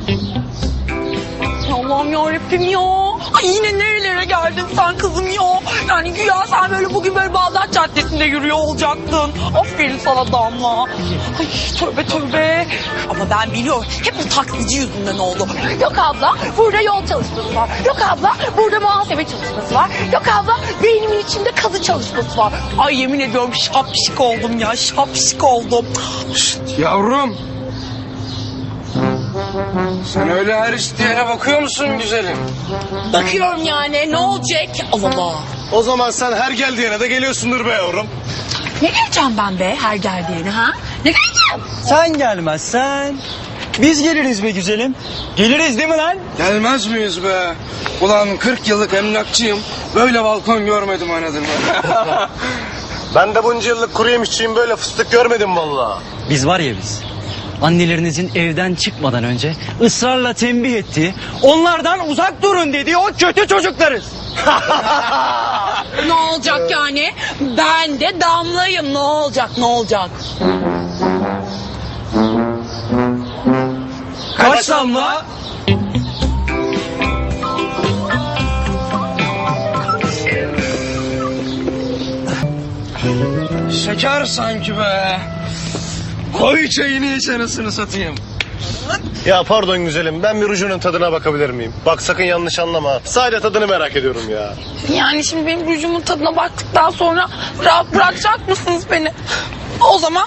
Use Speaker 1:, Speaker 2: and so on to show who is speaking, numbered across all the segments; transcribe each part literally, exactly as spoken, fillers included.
Speaker 1: Allah'ım yarabbim ya. Ay yine nerelere geldin sen kızım ya. Yani güya sen böyle bugün böyle Bağdat Caddesi'nde yürüyor olacaktın. Aferin sana Damla. Ay tövbe tövbe. Ama ben biliyorum hep bu taksici yüzünden oldu. Yok abla burada yol çalışması var. Yok abla burada muhasebe çalışması var. Yok abla beynimin içinde kazı çalışması var. Ay yemin ediyorum şapşik oldum ya şapşik oldum.
Speaker 2: Yavrum. Sen öyle her isteyene bakıyor musun güzelim?
Speaker 1: Bakıyorum yani ne olacak? Allah Allah.
Speaker 3: O zaman sen her geldiğine de geliyorsundur be yavrum.
Speaker 1: Ne geleceğim ben be her geldiğine ha? Ne geleceğim?
Speaker 4: Sen gelmezsen biz geliriz be güzelim. Geliriz değil mi lan?
Speaker 2: Gelmez miyiz be? Ulan kırk yıllık emlakçıyım. Böyle balkon görmedim anladın mı?
Speaker 3: Ben de bunca yıllık kuru yemişçiyim, böyle fıstık görmedim vallahi.
Speaker 4: Biz var ya biz. Annelerinizin evden çıkmadan önce ısrarla tembih ettiği, onlardan uzak durun dediği o kötü çocuklarız.
Speaker 1: Ne olacak yani? Ben de Damla'yım. Ne olacak ne olacak?
Speaker 4: Kaç damla?
Speaker 2: Şeker sanki be. Koy çayını iç anasını satayım.
Speaker 3: Ya pardon güzelim, ben bir rujunun tadına bakabilir miyim? Bak sakın yanlış anlama. Sadece tadını merak ediyorum ya.
Speaker 1: Yani şimdi benim rujumun tadına baktıktan sonra rahat bırakacak mısınız beni? O zaman...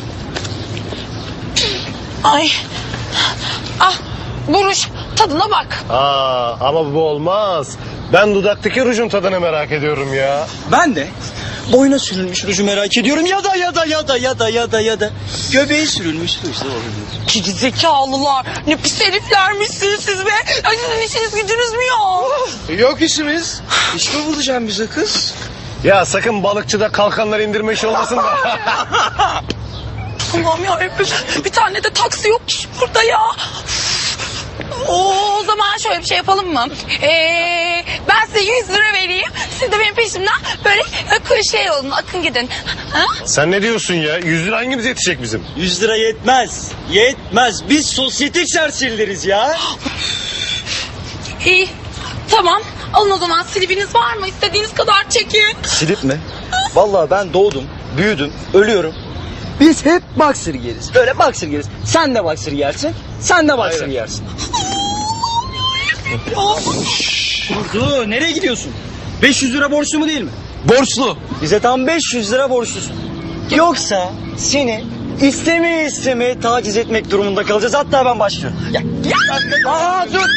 Speaker 1: Ay... Ah bu ruj tadına bak.
Speaker 3: Aa, ama bu olmaz. Ben dudaktaki rujun tadını merak ediyorum ya.
Speaker 4: Ben de boyuna sürülmüş ruju merak ediyorum. Ya da ya da ya da ya da ya da ya da göbeği sürülmüş ruj da olabilir.
Speaker 1: Geri zekalılar. Ne pis heriflermişsiniz siz be. Ay sizin işiniz gücünüz mü ya?
Speaker 2: Yok işimiz. İş mi bulacağım bize kız?
Speaker 3: Ya sakın balıkçıda kalkanları indirme işi olmasın da.
Speaker 1: Allah'ım yarabbim. Bir tane de taksi yok ki burada ya. O zaman şöyle bir şey yapalım mı? Ee, ben size yüz lira vereyim. Siz de benim peşimden böyle akın şey olun, akın gidin. Ha?
Speaker 3: Sen ne diyorsun ya? Yüz lira hangimize yetecek bizim?
Speaker 4: Yüz lira yetmez. Yetmez. Biz sosyetik serserileriz ya.
Speaker 1: İyi, tamam. Alın o zaman silibiniz var mı? İstediğiniz kadar çekin.
Speaker 4: Silip mi? Vallahi ben doğdum, büyüdüm, ölüyorum. Biz hep boxer giyeriz. Böyle boxer giyeriz. Sen de boxer giyersin, sen de boxer
Speaker 3: Aynen.
Speaker 4: giyersin. Durdu, nereye gidiyorsun? beş yüz lira borçlu mu değil mi?
Speaker 2: Borçlu.
Speaker 4: Bize tam beş yüz lira borçlusun. Yoksa seni istemeye istemeye taciz etmek durumunda kalacağız. Hatta ben başlıyorum. Gel. Gel. Aa, dur.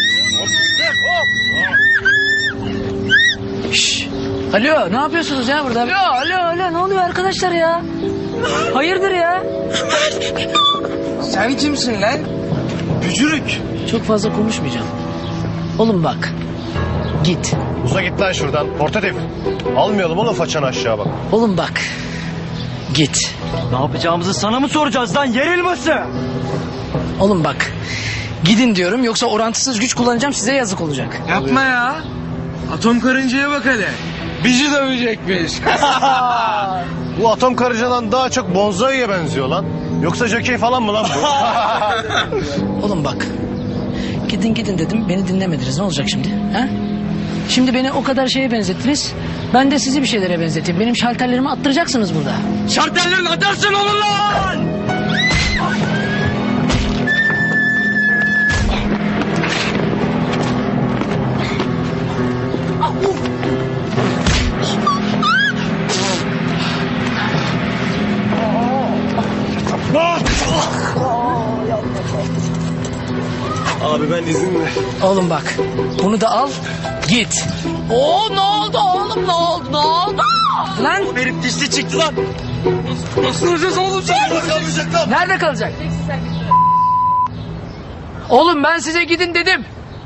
Speaker 5: Şşş. Alo ne yapıyorsunuz ya burada? Alo alo alo ne oluyor arkadaşlar ya? Hayırdır ya?
Speaker 2: Sen kimsin lan? Bücürük.
Speaker 5: Çok fazla konuşmayacağım. Oğlum bak. Git.
Speaker 3: Uza git lan şuradan. Portatif. Almayalım oğlum façanı aşağı bak.
Speaker 5: Oğlum bak. Git.
Speaker 4: Ne yapacağımızı sana mı soracağız lan yer elması?
Speaker 5: Oğlum bak. Gidin diyorum yoksa orantısız güç kullanacağım size yazık olacak.
Speaker 2: Yapma ya. Atom karıncaya bak hele. Bizi dövecekmiş.
Speaker 3: Bu atom karıncadan daha çok bonzaiye benziyor lan. Yoksa jokey falan mı lan bu?
Speaker 5: Oğlum bak. Gidin gidin dedim beni dinlemediniz ne olacak şimdi? Ha? Şimdi beni o kadar şeye benzettiniz. Ben de sizi bir şeylere benzeteyim. Benim şalterlerimi attıracaksınız burada.
Speaker 4: Şartellerin atarsın olur lan!
Speaker 3: Abi ben izinle.
Speaker 5: Oğlum bak. Bunu da al. Git.
Speaker 1: Oo ne oldu oğlum ne oldu ne oldu?
Speaker 5: Lan
Speaker 4: Herif dişli çıktı lan.
Speaker 2: Nasıl olacağız oğlum sen?
Speaker 5: nerede kalacak? Oğlum ben size gidin dedim.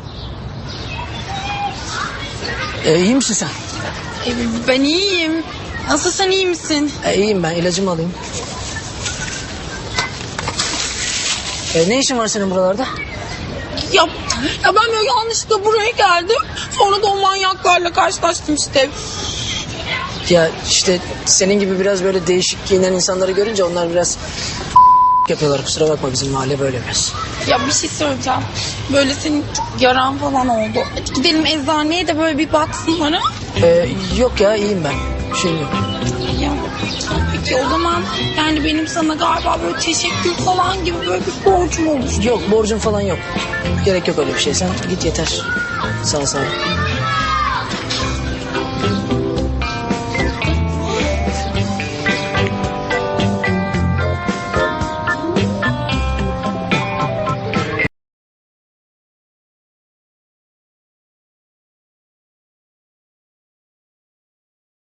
Speaker 5: E, iyi misin sen?
Speaker 1: E, ben iyiyim. Nasıl sen iyi misin?
Speaker 5: E, iyiyim ben ilacımı alayım. E, ne işin var senin buralarda?
Speaker 1: Ya, ya ben böyle yanlışlıkla buraya geldim. Sonra da o manyaklarla karşılaştım işte.
Speaker 5: Ya işte senin gibi biraz böyle değişik giyinen insanları görünce onlar biraz yapıyorlar, kusura bakma, bizim mahalle böyle biraz.
Speaker 1: Ya bir şey söyleyeceğim. Böyle senin çok yaran falan oldu. Hadi gidelim eczaneye de böyle bir baksınlar ha.
Speaker 5: Ee, yok ya, iyiyim ben. Bir şeyim yok.
Speaker 1: Ya, peki o zaman yani benim sana galiba böyle teşekkür falan gibi böyle bir borcum olur.
Speaker 5: Yok, borcum falan yok. Gerek yok öyle bir şey. Sen git yeter. Sağ ol, sağ ol.